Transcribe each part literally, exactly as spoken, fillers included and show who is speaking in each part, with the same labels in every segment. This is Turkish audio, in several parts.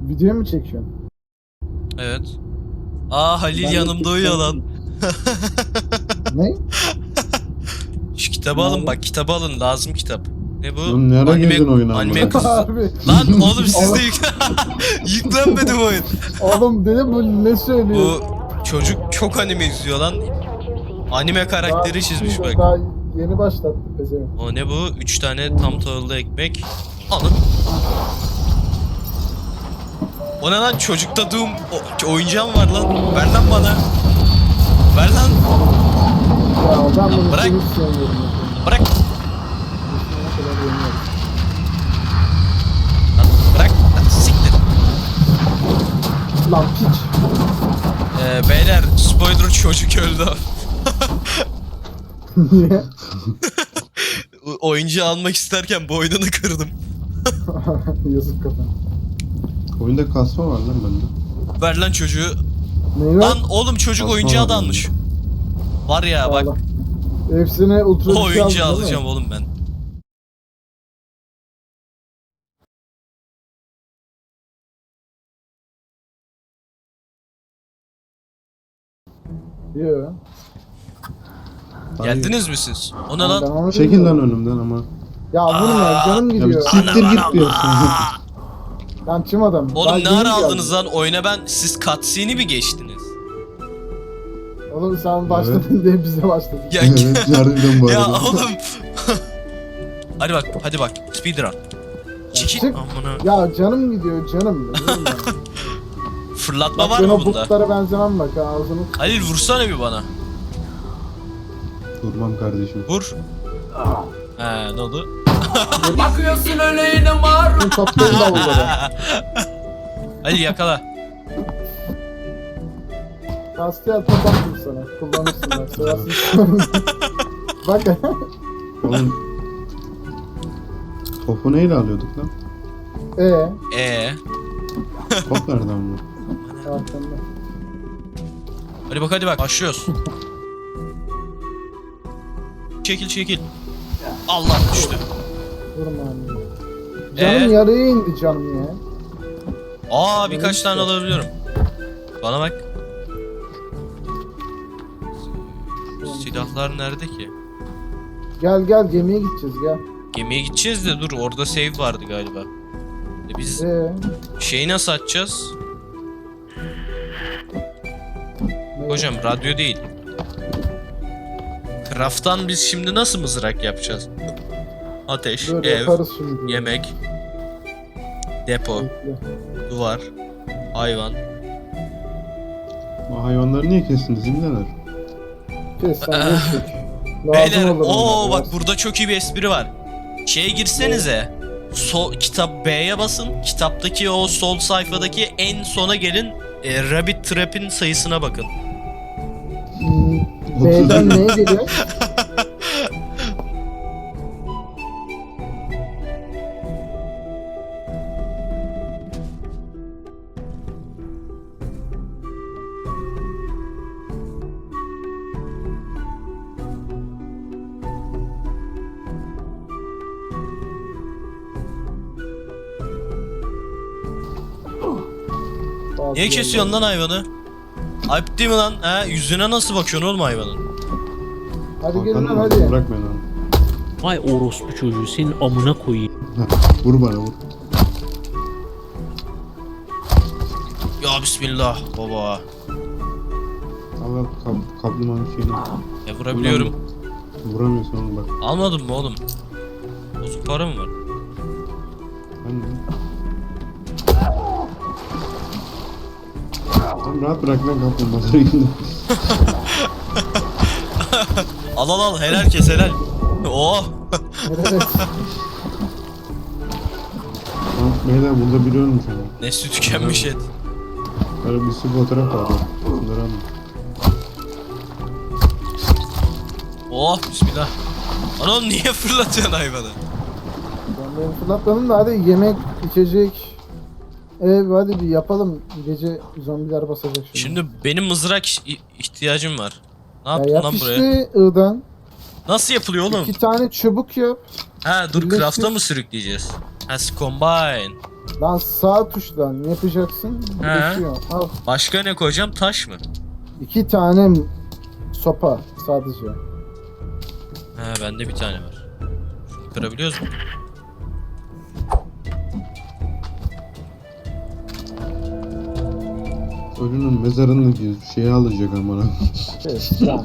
Speaker 1: Video mu çekiyorsun?
Speaker 2: Evet. Aa Halil
Speaker 1: Ben de
Speaker 2: yanımda uyuyor lan.
Speaker 1: Ne?
Speaker 2: Şu kitabı alın bak, kitabı alın, lazım kitap. Ne bu?
Speaker 3: Lan ne ara girdin oyuna
Speaker 2: anime
Speaker 3: ama?
Speaker 2: kız.
Speaker 1: Abi.
Speaker 2: Lan oğlum siz de yük... yüklenmedi bu oyun.
Speaker 1: Oğlum dedim bu ne söylüyor?
Speaker 2: Bu çocuk çok anime izliyor lan. Anime karakteri
Speaker 1: Daha-
Speaker 2: çizmiş bak.
Speaker 1: Daha yeni başlattı pezevenk.
Speaker 2: O ne bu? Üç tane tam tahıllı ekmek. Alın. O ne lan? Çocukta Doom o- oyuncağım var lan. Ver lan bana. Ver lan.
Speaker 1: Ya ben bunu
Speaker 2: Bırak.
Speaker 1: hiç sevmiyorum.
Speaker 2: Bırak.
Speaker 1: Ne kadar yeniyorum.
Speaker 2: Lan bırak. Lan siktir.
Speaker 1: Lan piç.
Speaker 2: Ee, beyler spoiler çocuk öldü.
Speaker 1: Niye?
Speaker 2: O- Oyuncağı almak isterken boynunu kırdım.
Speaker 1: Yazık kafana.
Speaker 3: Oyunda kasma var lan bende.
Speaker 2: Ver lan çocuğu.
Speaker 1: Neyi var?
Speaker 2: Lan oğlum çocuk
Speaker 3: Kasma
Speaker 2: oyuncağı
Speaker 3: var
Speaker 2: da
Speaker 3: bende.
Speaker 2: almış. Var ya bak.
Speaker 1: Allah. Hepsine ultra
Speaker 2: O
Speaker 1: güç
Speaker 2: oyuncağı
Speaker 1: aldın, değil mi?
Speaker 2: alacağım oğlum ben.
Speaker 1: Yo.
Speaker 3: Hayır.
Speaker 2: Geldiniz mi siz? O ne
Speaker 1: Ben
Speaker 2: lan?
Speaker 1: onu
Speaker 3: Çekil
Speaker 1: bilmiyorum.
Speaker 3: lan önümden ama.
Speaker 1: Ya vurma canım
Speaker 3: Ya bir
Speaker 1: gidiyor.
Speaker 3: siktir git diyorsun.
Speaker 1: Ben kim adam?
Speaker 2: Oğlum
Speaker 1: Ben
Speaker 2: ne
Speaker 1: yeni
Speaker 2: ara
Speaker 1: geldim.
Speaker 2: aldınız lan oyuna ben? Siz cutscene'i mi geçtiniz?
Speaker 1: Oğlum sen başladın diye bize başladın.
Speaker 2: Ya,
Speaker 3: Evet harbiden bu
Speaker 2: ya
Speaker 3: arada.
Speaker 2: oğlum. hadi bak, hadi bak. Speedrun. Çekil.
Speaker 1: çık.
Speaker 2: Amına.
Speaker 1: Ya canım gidiyor canım. Biliyorum ben.
Speaker 2: Fırlatma
Speaker 1: Bak
Speaker 2: var
Speaker 1: ben
Speaker 2: mı
Speaker 1: o
Speaker 2: bunda?
Speaker 1: butlara benzemem bak ha, ağzını.
Speaker 2: Halil vursana bir bana.
Speaker 3: Durmam kardeşim.
Speaker 2: Vur. He ne oldu?
Speaker 4: Bakıyorsun öyle yine mar.
Speaker 1: Bunu toplayın davullara.
Speaker 2: Halil yakala.
Speaker 1: Kastiyel top attım sana. Kullanırsın bak. Seversin. Bak.
Speaker 3: Oğlum. Topu neyle alıyorduk lan?
Speaker 1: Eee.
Speaker 2: Ee.
Speaker 3: Top nereden bu?
Speaker 1: Arkanda.
Speaker 2: Hadi bak hadi bak başlıyoruz. Çekil çekil. Allah düştü.
Speaker 1: Vurma anne. Canım
Speaker 2: Ee?
Speaker 1: yarıya indi canım ya.
Speaker 2: Aa birkaç tane alabiliyorum. Bana bak. Silahlar nerede ki?
Speaker 1: Gel gel gemiye gideceğiz gel.
Speaker 2: Gemiye gideceğiz de dur orada save vardı galiba. E biz
Speaker 1: Eee.
Speaker 2: şeyi nasıl açacağız?
Speaker 1: ne-
Speaker 2: Hocam radyo değil. Craft'tan biz şimdi nasıl mızrak yapacağız? Ateş,
Speaker 1: Dur
Speaker 2: ev,
Speaker 1: yaparız şimdi.
Speaker 2: yemek, depo,
Speaker 1: Bekle.
Speaker 2: duvar, hayvan.
Speaker 3: O hayvanları niye kestiniz imdeler?
Speaker 1: Kes sen geçtik.
Speaker 2: Beyler,
Speaker 1: olur
Speaker 2: o
Speaker 1: bunlar,
Speaker 2: bak burada çok iyi bir espri var. Şeye girsenize. Sol kitap B'ye basın. Kitaptaki o sol sayfadaki en sona gelin. E, Rabbit Trap'in sayısına bakın.
Speaker 1: Hmm, B'den neye geliyor?
Speaker 2: Niye kesiyorsun lan hayvanı? Ayıp değil mi lan? Ha, yüzüne nasıl bakıyorsun oğlum hayvanın?
Speaker 1: Hadi gelin lan
Speaker 3: Hakan'ım,
Speaker 1: hadi.
Speaker 3: Bırak beni lan.
Speaker 4: Vay orospu çocuğu senin amına koyayım.
Speaker 3: Vur bana vur.
Speaker 2: Ya bismillah baba.
Speaker 3: Al al kap, kaplumağanın şeyini.
Speaker 2: E vurabiliyorum.
Speaker 3: Vuramıyorsun oğlum bak.
Speaker 2: Almadın mı oğlum? Bozuk para mı var?
Speaker 3: Ben de. Oğlum rahat bırak lan kaplumbağaları yine.
Speaker 2: Al al al helal kes helal. Oh.
Speaker 1: Evet.
Speaker 3: Tamam beyler burada biri ölmüş ama.
Speaker 2: Nesli tükenmiş et.
Speaker 3: Böyle bir sürü fotoğraf var bak. Bunları alın.
Speaker 2: Oh bismillah. Lan oğlum niye fırlatıyorsun hayvanı?
Speaker 1: Ben beni fırlatmadım da hadi yemek, içecek. Ev hadi bir yapalım. Gece zombiler basacak şimdi.
Speaker 2: Şimdi benim mızrak i- ihtiyacım var. Ne
Speaker 1: Ya
Speaker 2: yaptın
Speaker 1: yap
Speaker 2: lan
Speaker 1: işte
Speaker 2: buraya?
Speaker 1: I'dan.
Speaker 2: Nasıl yapılıyor oğlum?
Speaker 1: İki tane çubuk yap.
Speaker 2: Ha dur
Speaker 1: birleştir.
Speaker 2: craft'a mı sürükleyeceğiz? Ha combine.
Speaker 1: Lan sağ tuşla ne yapacaksın?
Speaker 2: He.
Speaker 1: Geçiyor. Al.
Speaker 2: Başka ne koyacağım? Taş mı?
Speaker 1: İki tane sopa sadece.
Speaker 2: He bende bir tane var. Şunu kırabiliyoruz mu?
Speaker 3: Ölünün mezarını diyor. Şeyi alacak amına.
Speaker 1: Evet, lan.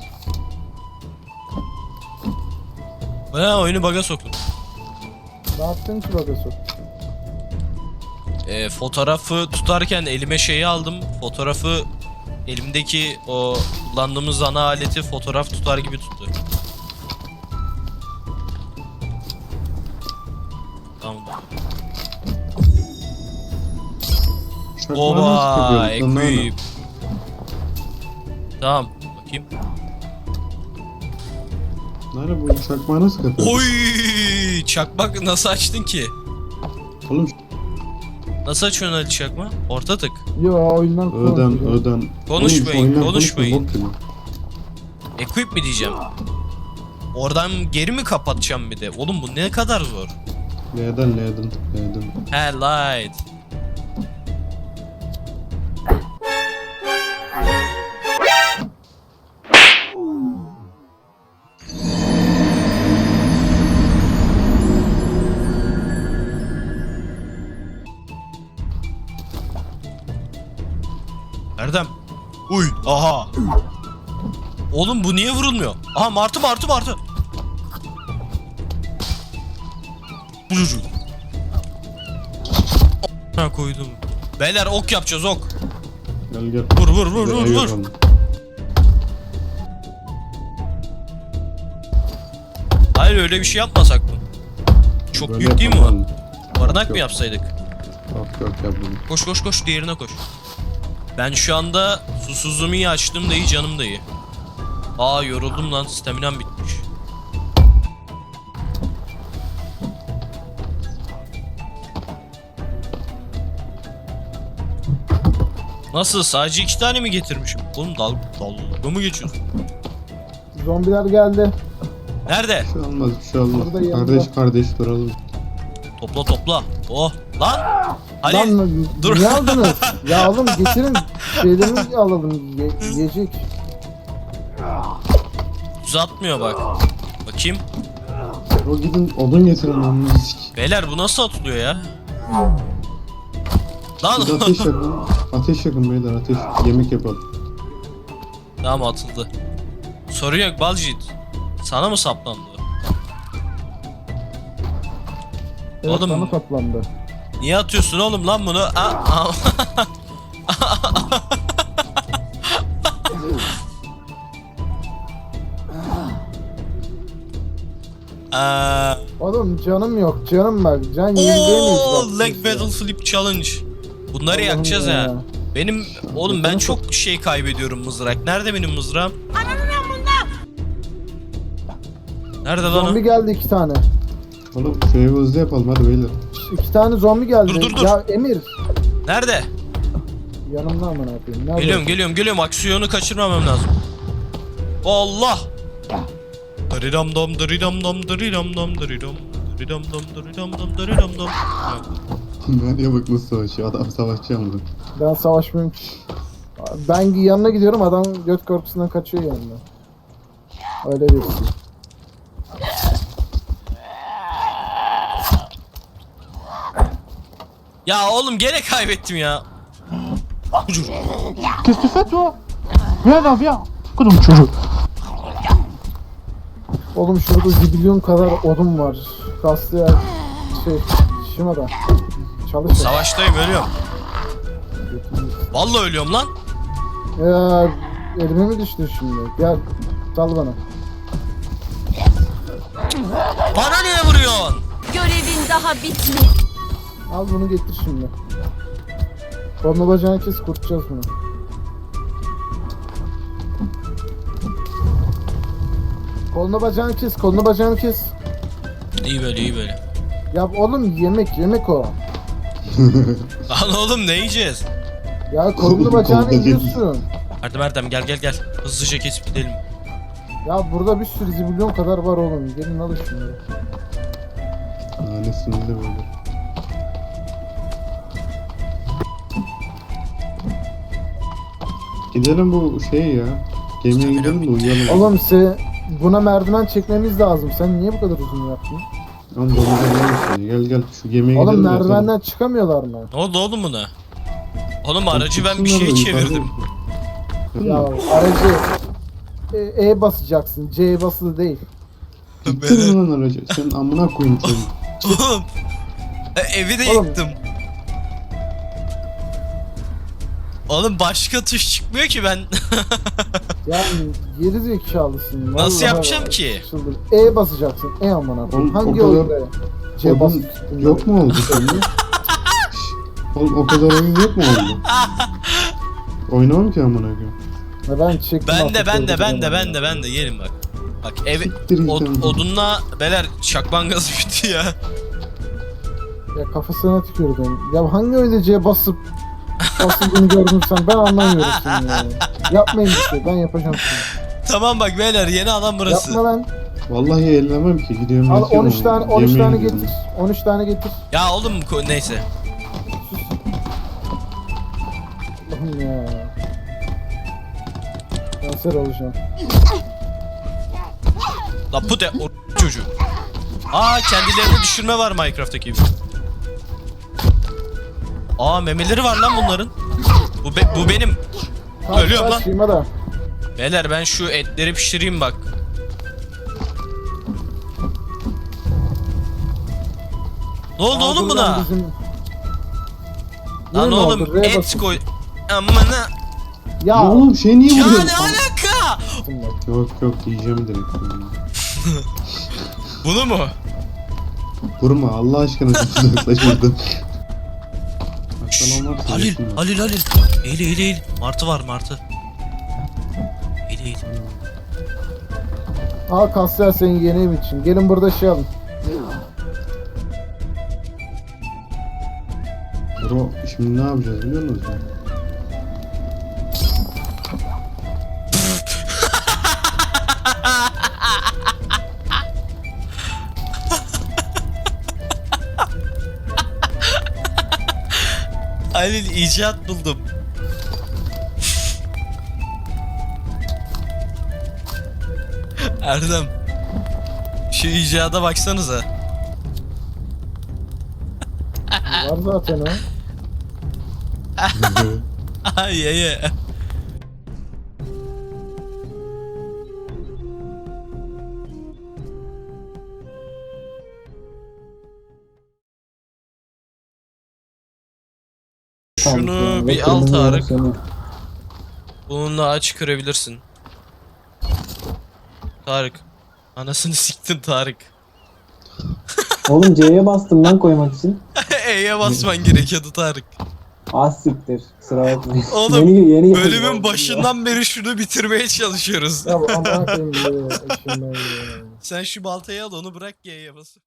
Speaker 2: He oyunu bug'a soktum.
Speaker 1: Ne yaptın ki bagası?
Speaker 2: E, fotoğrafı tutarken elime şeyi aldım. Fotoğrafı elimdeki o kullandığımız ana aleti fotoğraf tutar gibi tuttu. Tamam. Oba, equip. Tamam, bakayım.
Speaker 3: Nerede bu çakmağı nasıl kapıyor?
Speaker 2: Oy! Çakmak nasıl açtın ki?
Speaker 3: Oğlum
Speaker 2: Nasıl açıyorsun Ali çakma? Orta tık.
Speaker 1: Yo oyundan
Speaker 3: öden
Speaker 1: konuşuyor.
Speaker 3: öden.
Speaker 2: Konuşmayın,
Speaker 3: Oğlum, oyundan
Speaker 2: konuşmayın.
Speaker 3: konuşma, bok gibi.
Speaker 2: Equip mi diyeceğim? Oradan geri mi kapatacağım bir de? Oğlum bu ne kadar zor.
Speaker 3: L'den L'den L'den.
Speaker 2: He light. Erdem. Uy, aha. Oğlum bu niye vurulmuyor? Aha martı martı martı. Bucucu. Ha koydum. Beyler ok yapacağız ok.
Speaker 3: Gel gel.
Speaker 2: Vur vur vur
Speaker 3: Bir de
Speaker 2: vur
Speaker 3: ev
Speaker 2: vur.
Speaker 3: yapalım.
Speaker 2: Hayır öyle bir şey yapmasak mı? Çok
Speaker 3: Böyle
Speaker 2: büyük değil mi
Speaker 3: yapalım.
Speaker 2: o? Barınak
Speaker 3: Yok.
Speaker 2: mı yapsaydık?
Speaker 3: Yok yok yapalım.
Speaker 2: Koş koş koş diğerine koş. Ben şu anda susuzluğumu iyi açtım da iyi canım da iyi. Aa yoruldum lan staminam bitmiş. Nasıl sadece iki tane mi getirmişim? Oğlum dal dalga mı geçiyorsun?
Speaker 1: Zombiler geldi.
Speaker 2: Nerede?
Speaker 3: Bir şey olmaz bir şey olmaz.
Speaker 1: Burada yanında.
Speaker 3: Kardeş kardeş duralım.
Speaker 2: Topla topla. Oh lan. Ali
Speaker 1: Lan
Speaker 2: dur.
Speaker 1: niye aldınız? Ya oğlum getirin şeylerimizi alalım. Ye yiyecek.
Speaker 2: uzatmıyor bak. Bakayım.
Speaker 3: O gidin odun getirin lan sik.
Speaker 2: Beyler bu nasıl atılıyor ya? Lan
Speaker 3: Bir de ateş yakın. Ateş yakın beyler ateş. Yemek yapalım.
Speaker 2: tamam atıldı. Sorun yok Balcit. Sana mı saplandı?
Speaker 1: Evet,
Speaker 2: Oğlum.
Speaker 1: bana toplandı.
Speaker 2: Niye atıyorsun oğlum lan bunu? Aa, aa. Aa,
Speaker 1: Oğlum canım yok canım bak. Can yenileyemeyiz
Speaker 2: Oo,
Speaker 1: bak.
Speaker 2: leg battle flip challenge. Bunları
Speaker 1: Allah'ım
Speaker 2: yakacağız
Speaker 1: ya.
Speaker 2: ha. Benim oğlum ben çok şey kaybediyorum mızrak. Nerede benim mızrağım? Nerede lan
Speaker 1: Zombi
Speaker 2: o?
Speaker 1: geldi iki tane.
Speaker 3: Oğlum şu evi hızlı yapalım hadi beyler.
Speaker 1: İki tane zombi geldi.
Speaker 2: Dur, dur, dur.
Speaker 1: Ya Emir.
Speaker 2: Nerede?
Speaker 1: Yanımda aman yapayım. Nerede?
Speaker 2: Geliyorum geliyorum geliyorum aksiyonu kaçırmamam lazım. Allah! Daridam dam daridam dam daridam dam daridam daridam dam daridam dam daridam dam.
Speaker 3: Meryem bak nasıl savaşıyor. Adam savaşçı mı?
Speaker 1: Ben savaşmıyorum ki. Ben yanına gidiyorum adam göt korkusundan kaçıyor yanına. Öyle birisi.
Speaker 2: Ya oğlum gene kaybettim ya. Ucur.
Speaker 5: Qu'est-ce que tu fais toi? Viens là, viens. Kudum çocuk.
Speaker 1: Oğlum şurada zibilyon kadar odun var. Kaslı yer. Şey, şuna da. Çalış.
Speaker 2: Savaştayım ölüyorum. Vallahi ölüyorum lan.
Speaker 1: Ya elime mi düştü şimdi? Gel. Sal bana.
Speaker 2: Bana niye vuruyorsun?
Speaker 6: Görevin daha bitmedi.
Speaker 1: Al bunu getir şimdi. Kolunu bacağını kes kurtacağız bunu. Kolunu bacağını kes, kolunu bacağını kes.
Speaker 2: İyi böyle iyi böyle.
Speaker 1: Ya oğlum yemek, yemek o.
Speaker 2: Lan oğlum ne yiyeceğiz?
Speaker 1: Ya kolunu bacağını
Speaker 3: Kolunu
Speaker 1: yiyorsun.
Speaker 2: Erdem Erdem gel gel gel. Hızlıca kesip gidelim.
Speaker 1: Ya burada bir sürü zibilyon kadar var oğlum. Gelin alın şunları.
Speaker 3: Nanesinde böyle. Gidelim bu şey ya. Gemiye gidelim de uyuyalım.
Speaker 1: Oğlum se buna merdiven çekmemiz lazım. Sen niye bu kadar uzun yaptın?
Speaker 3: Oğlum domuza gelmesin. Gel gel şu gemiye
Speaker 1: Oğlum
Speaker 3: gidelim de yatalım.
Speaker 1: merdivenden çıkamıyorlar mı?
Speaker 2: Ne oldu oğlum buna? Oğlum aracı ben bir
Speaker 3: Çıksınlar
Speaker 2: şeye
Speaker 3: da yukarıda-
Speaker 2: çevirdim.
Speaker 1: Ya aracı E, e basacaksın. C basılı değil.
Speaker 3: Gittin mi lan aracı? Sen amına koyayım seni.
Speaker 2: Oğlum. e, Evi de
Speaker 1: Oğlum.
Speaker 2: yıktım. Oğlum başka tuş çıkmıyor ki ben.
Speaker 1: Yani geri zekalısın.
Speaker 2: Nasıl
Speaker 1: Vallahi
Speaker 2: yapacağım
Speaker 1: bak,
Speaker 2: ki?
Speaker 1: çıldır. E basacaksın. E amına koyayım.
Speaker 3: Oğlum,
Speaker 1: Hangi
Speaker 3: o kadar-
Speaker 1: oyunda C
Speaker 3: Oğlum,
Speaker 1: basılı?
Speaker 3: yok mu oldu sende? Şşş, oğlum o kadar oyun yok mu oldu? Oynamam ki amına koyayım.
Speaker 1: Ya ben çektim.
Speaker 2: Ben de
Speaker 1: artık
Speaker 2: ben de
Speaker 1: gördüm
Speaker 2: ben de
Speaker 1: ya.
Speaker 2: ben de ben de gelin bak. Bak evi
Speaker 3: Siktir git
Speaker 2: od,
Speaker 3: sen.
Speaker 2: odunla beler şakman gazı bitti ya.
Speaker 1: Ya kafasına tükürdüm. Ya hangi oyunda C basıp basıldığını gördün sen? Ben anlamıyorum seni ya. Yapmayın bir şey. Ben yapacağım şimdi.
Speaker 2: Tamam bak beyler yeni alan burası.
Speaker 1: Yapma lan.
Speaker 3: Vallahi ellemem ki gidiyorum
Speaker 1: Al
Speaker 3: yatıyorum
Speaker 1: on üç tane
Speaker 3: ama.
Speaker 1: on üç
Speaker 3: Yemeğe
Speaker 1: tane
Speaker 3: gidiyorum.
Speaker 1: getir. on üç tane getir.
Speaker 2: Ya oğlum ko- neyse.
Speaker 1: Allah'ım ya. Kanser olacağım.
Speaker 2: La bu de o çocuğu. Aa kendilerini düşürme var Minecraft'taki gibi. Aa memeleri var lan bunların. Bu be- bu benim.
Speaker 1: Tamam,
Speaker 2: Ölüyorum lan.
Speaker 1: Şıyma da.
Speaker 2: Beyler ben şu etleri pişireyim bak. Ne oldu
Speaker 1: Aa,
Speaker 2: oğlum
Speaker 1: buradan
Speaker 2: buna?
Speaker 1: bizim-
Speaker 2: Lan
Speaker 1: Yine mi
Speaker 2: oğlum
Speaker 1: oldu? R'ye
Speaker 2: et
Speaker 1: basın.
Speaker 2: koy. Amına.
Speaker 1: Ya.
Speaker 3: Ya oğlum şey niye
Speaker 2: Ya
Speaker 3: vuruyorsun?
Speaker 2: ne alaka?
Speaker 3: Yok yok yiyeceğim direkt.
Speaker 2: Bunu mu?
Speaker 3: Vurma Allah aşkına uzaklaş buradan. Aslan olmazsa
Speaker 2: Halil,
Speaker 3: yesinler.
Speaker 2: Halil, Halil. Eğil, eğil, eğil. Martı var, martı. Eğil, eğil.
Speaker 1: Al Kasya senin yeni ev için. Gelin burada şey alın.
Speaker 3: Bro şimdi ne yapacağız biliyor musun?
Speaker 2: Halil icat buldum. Erdem. Şu icada baksanıza.
Speaker 1: Var zaten o.
Speaker 2: Ay ay ay. Şunu bir al Tarık. Bununla aç kırabilirsin. Tarık. Anasını siktin Tarık.
Speaker 7: Oğlum C'ye bastım lan koymak için.
Speaker 2: E'ye basman gerekiyordu Tarık.
Speaker 7: Az siktir. Sıra bakmayın.
Speaker 2: Oğlum,
Speaker 7: yeni, yeni
Speaker 2: Bölümün başından beri şunu bitirmeye çalışıyoruz.
Speaker 1: Ya amına koyayım. Şimdi.
Speaker 2: Sen şu baltayı al onu bırak G'ye bas.